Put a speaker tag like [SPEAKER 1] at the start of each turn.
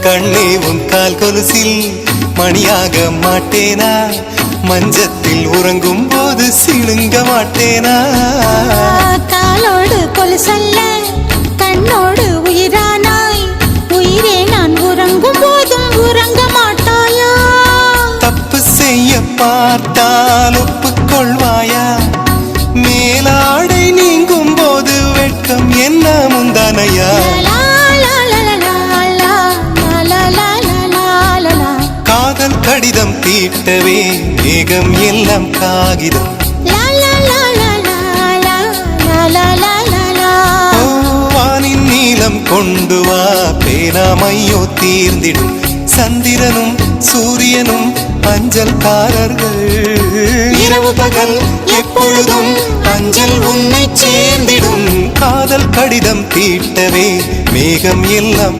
[SPEAKER 1] கண்ணே உன் கால் கொலுசில் மணியாக மாட்டேனா? மஞ்சத்தில் உறங்கும் போது சிணுங்க மாட்டேனா?
[SPEAKER 2] காலோடு கொலுசல்ல கண்ணோடு உயிரானாய், உயிரே நான் உறங்கும் போதும் உறங்க மாட்டாயா?
[SPEAKER 1] தப்பு செய்ய பார்த்தால் ஒப்புக்கொள்வாயா? மேலாடை நீங்கும் போது வெட்கம் என்ன முந்தானையா? காதல் கடிதம் தீட்டவே மேகம் எல்லாம் காகிதம். வானின் நீலம் கொண்டு வா, பேனாமையோ தீர்ந்திடும். சந்திரனும் சூரியனும் அஞ்சல்காரர்கள். இரவு பகல் எப்பொழுதும் அஞ்சல் உன்னை சேர்ந்திடும். காதல் கடிதம் தீட்டவே மேகம் எல்லாம்